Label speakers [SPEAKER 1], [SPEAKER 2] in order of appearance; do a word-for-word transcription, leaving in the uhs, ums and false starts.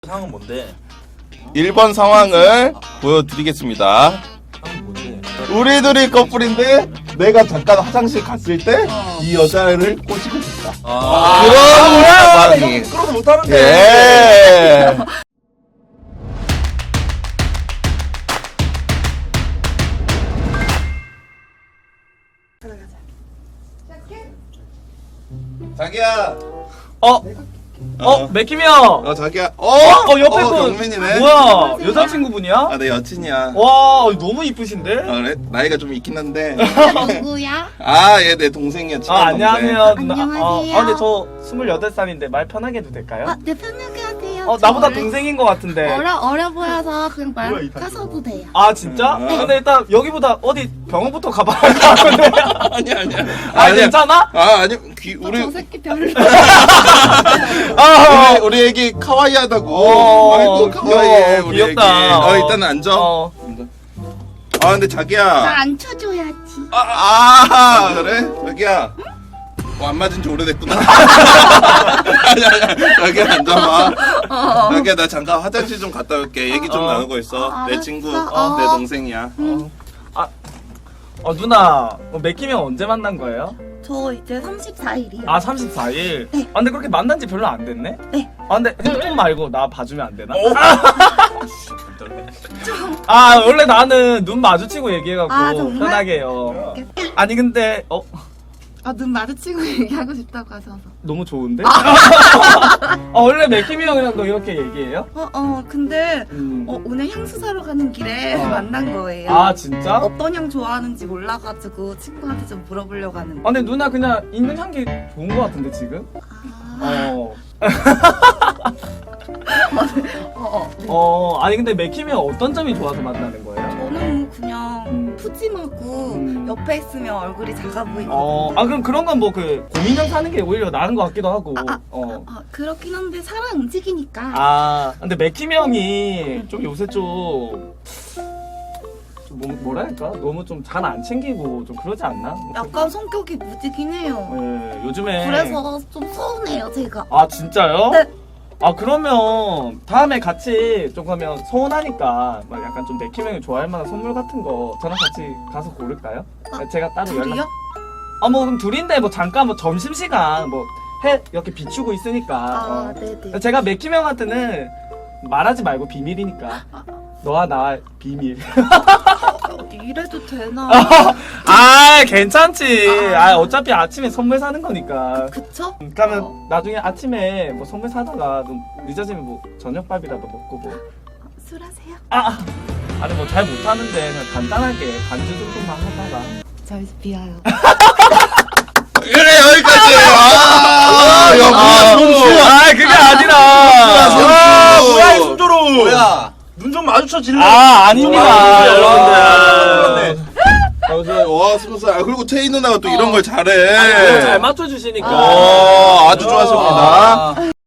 [SPEAKER 1] 상황은 뭔데?
[SPEAKER 2] 일 번 상황을 보여드리겠습니다.
[SPEAKER 1] 상황은 뭔데?
[SPEAKER 2] 우리 둘이 커플인데 내가 잠깐 화장실 갔을 때 이 여자를 꼬시고 있다.
[SPEAKER 1] 아,
[SPEAKER 2] 그런 상황이.
[SPEAKER 1] 그러도 못하는데.
[SPEAKER 2] 예. 자기야.
[SPEAKER 1] 어? 어? 맥힘이 형!
[SPEAKER 2] 어 자기야. 어?
[SPEAKER 1] 어? 옆에
[SPEAKER 2] 어,
[SPEAKER 1] 분!
[SPEAKER 2] 경민이네.
[SPEAKER 1] 뭐야? 여자친구분이야?
[SPEAKER 2] 아, 내 여친이야.
[SPEAKER 1] 와, 너무 이쁘신데?
[SPEAKER 2] 아, 그래? 나이가 좀 있긴 한데.
[SPEAKER 3] 누구야?
[SPEAKER 2] 아, 얘 내 동생이야.
[SPEAKER 1] 아,
[SPEAKER 2] 친한
[SPEAKER 1] 안녕하세요. 누나.
[SPEAKER 3] 안녕하세요.
[SPEAKER 1] 아, 아, 근데 저 스물여덟 살인데 말 편하게 해도 될까요?
[SPEAKER 3] 아, 네, 편하게 하세요.
[SPEAKER 1] 어,
[SPEAKER 3] 저
[SPEAKER 1] 나보다
[SPEAKER 3] 어려-
[SPEAKER 1] 동생인 것 같은데.
[SPEAKER 3] 어려, 어려 보여서 그냥
[SPEAKER 1] 뭐야, 이
[SPEAKER 3] 말
[SPEAKER 1] 반지.
[SPEAKER 3] 까셔도 돼요.
[SPEAKER 1] 아, 진짜?
[SPEAKER 2] 네.
[SPEAKER 1] 근데 일단 여기보다 어디 병원부터 가봐야 할 것 같은데.
[SPEAKER 2] 아니야, 아니야.
[SPEAKER 1] 아, 괜찮아?
[SPEAKER 2] 아, 아니, 귀,
[SPEAKER 3] 어,
[SPEAKER 2] 우리,
[SPEAKER 3] 저 새끼 별로.
[SPEAKER 1] 아,
[SPEAKER 2] 우리, 우리 애기 카와이하다고.
[SPEAKER 1] 어,
[SPEAKER 2] 아이고, 카와이해,
[SPEAKER 1] 귀여워,
[SPEAKER 2] 우리
[SPEAKER 1] 귀엽다.
[SPEAKER 2] 애기. 어,
[SPEAKER 1] 어.
[SPEAKER 2] 일단 앉아.
[SPEAKER 1] 어.
[SPEAKER 2] 아, 근데 자기야.
[SPEAKER 3] 나안 쳐줘야지.
[SPEAKER 2] 아, 아, 그래? 자기야. 어, 안 맞은 지 오래됐구나. 아니, 아니, 자기야, 앉아봐. 자기야, 나 잠깐 화장실 좀 갔다 올게. 얘기 좀
[SPEAKER 1] 어.
[SPEAKER 2] 나누고 있어.
[SPEAKER 3] 어,
[SPEAKER 2] 내
[SPEAKER 3] 알았어.
[SPEAKER 2] 친구,
[SPEAKER 3] 어.
[SPEAKER 2] 내 동생이야.
[SPEAKER 1] 어, 누나. 어, 맥힘이 형 언제 만난 거예요?
[SPEAKER 3] 저 이제 삼십사 일이요.
[SPEAKER 1] 아, 삼십사 일?
[SPEAKER 3] 네.
[SPEAKER 1] 아, 근데 그렇게 만난 지 별로 안 됐네?
[SPEAKER 3] 네.
[SPEAKER 1] 아, 근데 핸드폰 말고 나 봐주면 안 되나?
[SPEAKER 2] 어?
[SPEAKER 1] 아, 원래 나는 눈 마주치고 얘기해갖고
[SPEAKER 3] 아, 정말?
[SPEAKER 1] 편하게 해요. 아니, 근데, 어,
[SPEAKER 3] 아, 눈 마주치고 얘기하고 싶다고 하셔서.
[SPEAKER 1] 너무 좋은데? 아, 원래 맥힘이 형이랑도 이렇게 얘기해요?
[SPEAKER 3] 어, 어, 근데,
[SPEAKER 1] 음.
[SPEAKER 3] 어, 오늘 향수 사러 가는 길에
[SPEAKER 1] 어.
[SPEAKER 3] 만난 거예요.
[SPEAKER 1] 아, 진짜? 아,
[SPEAKER 3] 어떤 향 좋아하는지 몰라가지고 친구한테 좀 물어보려고 하는데.
[SPEAKER 1] 근데 누나 그냥 있는 향기 좋은 거 같은데, 지금?
[SPEAKER 3] 아,
[SPEAKER 1] 어.
[SPEAKER 3] 어, 어.
[SPEAKER 1] 어, 아니, 근데 맥힘이 형 어떤 점이 좋아서 만나는 거예요?
[SPEAKER 3] 저는 그냥
[SPEAKER 1] 음.
[SPEAKER 3] 푸짐하고
[SPEAKER 1] 음.
[SPEAKER 3] 옆에 있으면 얼굴이 작아 보이고.
[SPEAKER 1] 어, 아, 그럼 그런 건 뭐 그 고민형 사는 게 오히려 나은 것 같기도 하고.
[SPEAKER 3] 아, 아,
[SPEAKER 1] 어.
[SPEAKER 3] 아, 그렇긴 한데 사람 움직이니까.
[SPEAKER 1] 아, 근데 맥힘 형이 좀 요새 좀, 좀 뭐, 뭐라 할까? 너무 좀 잘 안 챙기고 좀 그러지 않나?
[SPEAKER 3] 약간 성격이 무지긴 해요.
[SPEAKER 1] 예, 요즘에.
[SPEAKER 3] 그래서 좀 서운해요, 제가.
[SPEAKER 1] 아, 진짜요?
[SPEAKER 3] 네.
[SPEAKER 1] 아, 그러면 다음에 같이 좀 가면 서운하니까 막 약간 좀 맥힘 형이 좋아할 만한 선물 같은 거 저랑 같이 가서 고를까요?
[SPEAKER 3] 아,
[SPEAKER 1] 제가 따로
[SPEAKER 3] 둘이요?
[SPEAKER 1] 연락. 아, 뭐 그럼 둘인데 뭐 잠깐 뭐 점심시간 뭐 해 이렇게 비추고 있으니까.
[SPEAKER 3] 아,
[SPEAKER 1] 어.
[SPEAKER 3] 네네.
[SPEAKER 1] 제가 맥힘 형한테는 말하지 말고 비밀이니까. 너와 나 비밀.
[SPEAKER 3] 어, 이래도 되나?
[SPEAKER 1] 아, 괜찮지. 아, 어차피 아침에 선물 사는 거니까.
[SPEAKER 3] 그쵸?
[SPEAKER 1] 그러면
[SPEAKER 3] 어.
[SPEAKER 1] 나중에 아침에 뭐 선물 사다가 좀 늦어지면 뭐 저녁밥이라도 먹고 뭐.
[SPEAKER 3] 술 하세요?
[SPEAKER 1] 아, 아니 뭐 잘 못하는데 그냥 간단하게 반주 정도만 하다가.
[SPEAKER 3] 저 이제 비와요.
[SPEAKER 2] 그래, 여기까지. 아, 야, 뭐야, 손수.
[SPEAKER 1] 아, 그게 아니라.
[SPEAKER 2] 아,
[SPEAKER 1] 뭐야, 이
[SPEAKER 2] 손주로.
[SPEAKER 4] 뭐야? 눈 좀 마주쳐 질래?
[SPEAKER 1] 아, 아닙니다.
[SPEAKER 2] 아,
[SPEAKER 1] 여러분들.
[SPEAKER 2] 여러분들. 와, 스무 살. 아, 그리고 태희 누나가 또 이런 걸
[SPEAKER 1] 아,
[SPEAKER 2] 잘해.
[SPEAKER 1] 잘 맞춰주시니까.
[SPEAKER 2] 어, 아주 좋았습니다.
[SPEAKER 4] 아.